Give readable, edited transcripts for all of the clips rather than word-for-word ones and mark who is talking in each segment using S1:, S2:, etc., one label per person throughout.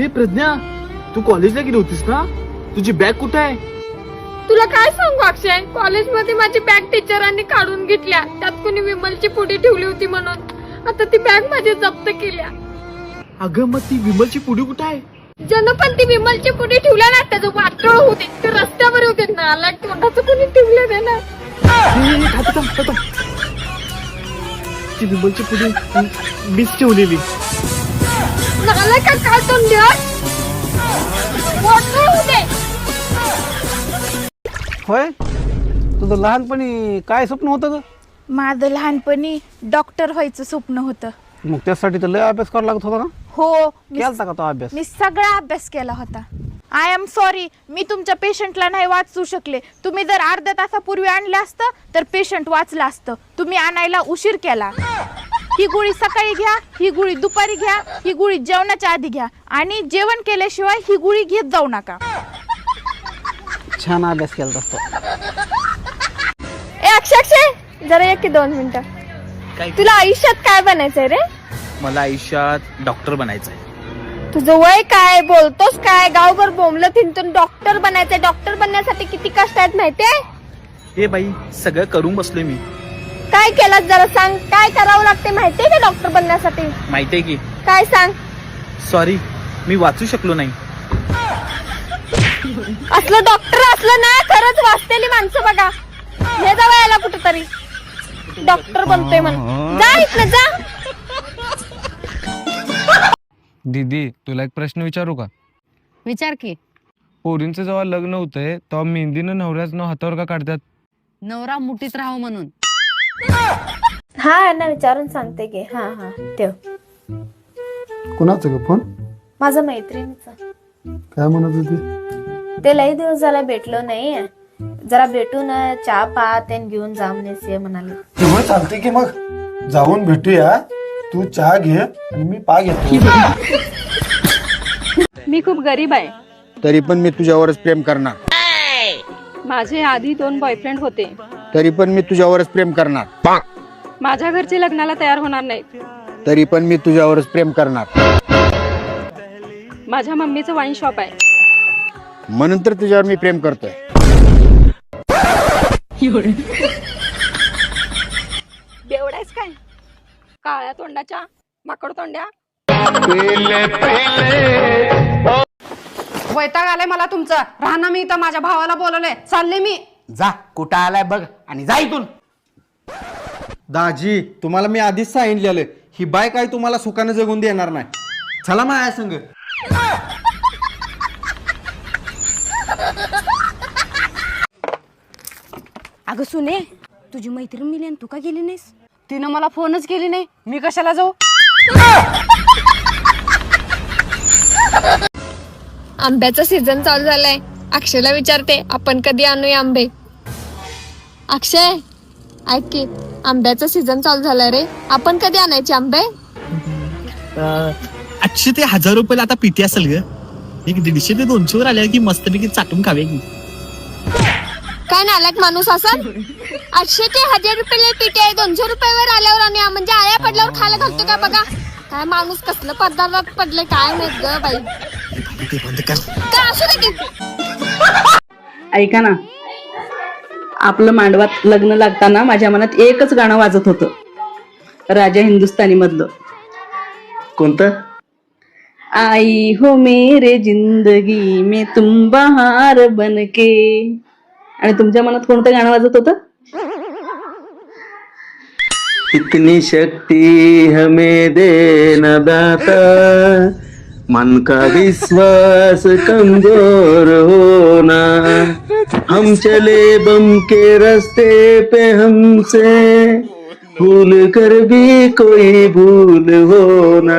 S1: हे प्रज्ञा, तू कॉलेजला गेली होतीस ना? तुझी बॅग कुठे आहे?
S2: तुला काय सांगू अक्षय, कॉलेजमध्ये माझी बॅग टीचरांनी काढून घेतल्या. त्यात कोणी विमलची पुडी ठेवली होती म्हणून आता ती बॅग माझी जप्त केल्या.
S1: अगं मग ती विमलची पुडी कुठे आहे?
S2: ज्यानं पण ती विमलची पुडी ठेवल्या ना त्याचं वाटोळ होते. ते रस्त्यावर होते ना, आला तोंडाचं कोणी ठेवलं नाही ना.
S1: ती विमलची पुडी मीच ठेवलेली.
S2: नाला का काय तोंड वाटोळ होते.
S3: होय, तुझं लहानपणी काय स्वप्न होतं?
S4: माझं लहानपणी डॉक्टर व्हायचं स्वप्न होतं.
S3: मग त्यासाठी तर लय अभ्यास करावा लागत होता ना?
S4: हो,
S3: केलता का तो अभ्यास?
S4: मी सगळा अभ्यास केला होता. आय एम सॉरी, मी तुमच्या पेशंटला नाही वाचू शकले. तुम्ही जर अर्ध्या तासापूर्वी आणलं असतं तर पेशंट वाचलं असतं. तुम्ही आणायला उशीर केला. ही गोळी सकाळी घ्या, ही गोळी दुपारी घ्या, ही गोळी जेवणाच्या आधी घ्या आणि जेवण केल्याशिवाय ही गोळी घेत जाऊ नका.
S3: छान अभ्यास केला असतो.
S2: अक्षय जरा एक 2 मिनिटं. तुला आयुष्यात काय बनायचंय रे?
S1: मला आयुष्यात डॉक्टर बनायचंय.
S2: तुझं वय काय, बोलतोस काय? गावभर बोंबलं थिंतून डॉक्टर बनायचंय. डॉक्टर बनण्यासाठी किती कष्ट आहेत माहितीये?
S1: हे बाई, सगळं करून बसलोय मी.
S2: काय केलं जरा सांग. काय करावं लागते माहितीये का डॉक्टर बनण्यासाठी?
S1: माहितीये की.
S2: काय सांग.
S1: सॉरी, मी वाचू शकलो नाही.
S2: असलं डॉक्टर असलं ना खरंच वाचतेली माणसं बघा. हे जावं याला कुठेतरी डॉक्टर बनतोय म्हणून. जा इथनं जा.
S5: दीदी, तुला एक प्रश्न विचारू का?
S6: विचार की.
S5: पोरींचं जेव्हा लग्न होतंय तेव्हा मेहंदीनं नवऱ्याचं नाव हातावर का काढतात?
S6: नवरा मुठीत राहावं म्हणून.
S2: हा ना, विचारून सांगते की. हा हा ठेव.
S3: कुणाचं ग फोन?
S2: माझा मैत्रिणीचा.
S3: काय म्हणत होती?
S2: ते लई दिवस झाला भेटलो नाही. जरा भेटून चहा पा तेन घेऊन जामनेस ये म्हणाले.
S7: तेव्हा चालते की मग जाऊन भेटूया. तू चहा घे आणि मी पा घेतो.
S8: मी खूप गरीब आहे,
S9: तरी पण मी तुझ्यावरच प्रेम करणार.
S8: माझे आधी 2 बॉयफ्रेंड होते,
S9: तरी पण मी तुझ्यावरच प्रेम करणार.
S8: माझ्या घरचे लग्नाला तयार होणार नाहीत,
S9: तरी पण मी तुझ्यावरच प्रेम करणार.
S8: माझ्या मम्मीचं वाईन शॉप आहे,
S9: म्हणून तर तुझ्यावर मी प्रेम करतोय.
S8: बेवडायस काय? काळ्या तोंडाच्या माकड तोंड्या.
S6: वैताग आलाय मला तुमचं. राहणार मी इथं, माझ्या भावाला बोलवलंय, चालले मी.
S3: जा, कुठं आलाय बघ आणि जा इथून. दाजी, तुम्हाला मी आधीच सांगितलेलं, ही बाय काय तुम्हाला सुखानं जगून देणार नाही. चला माझ्या संग.
S6: अगं सुने, तुझी मैत्रीण मिली आणि तू का गेली नाहीस? तिनं मला फोनच केली नाही, मी कशाला जाऊ?
S2: आंब्याचा सीझन चालू झालाय. अक्षयला विचारते आपण कधी आणूया आंबे. अक्षय ऐक की, आंब्याचा सीझन चालू झालाय रे. आपण कधी आणायचे आंबे?
S1: आठशे ते 1000 रुपयाला आता पिटी असेल ग. एक 150 ते 200 वर आल्या की मस्तपैकी चाटून खावे की.
S2: काय नालायक माणूस असेल. 800 ते 1000 रुपयाला पिठी आहे. 200 रुपयावर आल्यावर आणि म्हणजे आया पडल्यावर खायला घालतो का बघा. काय माणूस कसलं पदार्थात पडले काय माहित ग बाई. काय असू दे की.
S8: ऐका ना, आपलं मांडवात लग्न लागताना माझ्या मनात एकच गाणं वाजत होतं, राजा हिंदुस्तानी मधलं.
S3: कोणतं?
S8: आई हो मेरे जिंदगी में तुम बहार बनके. आणि तुमच्या मनात कोणतं गाणं वाजत होतं?
S7: इतनी शक्ति हमें देना दाता, मन का विश्वास कमजोर होना, हम चले बम के रास्ते पे हमसे भूल कर भी कोई भूल होना.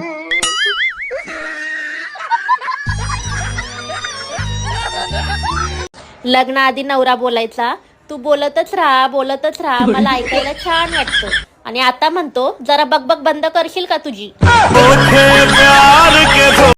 S10: लग्नाआधी नवरा बोलायचा, तू बोलतच राहा मला ऐकायला छान वाटतं. आणि आता म्हणतो जरा बकबक बंद करशील का तुझी.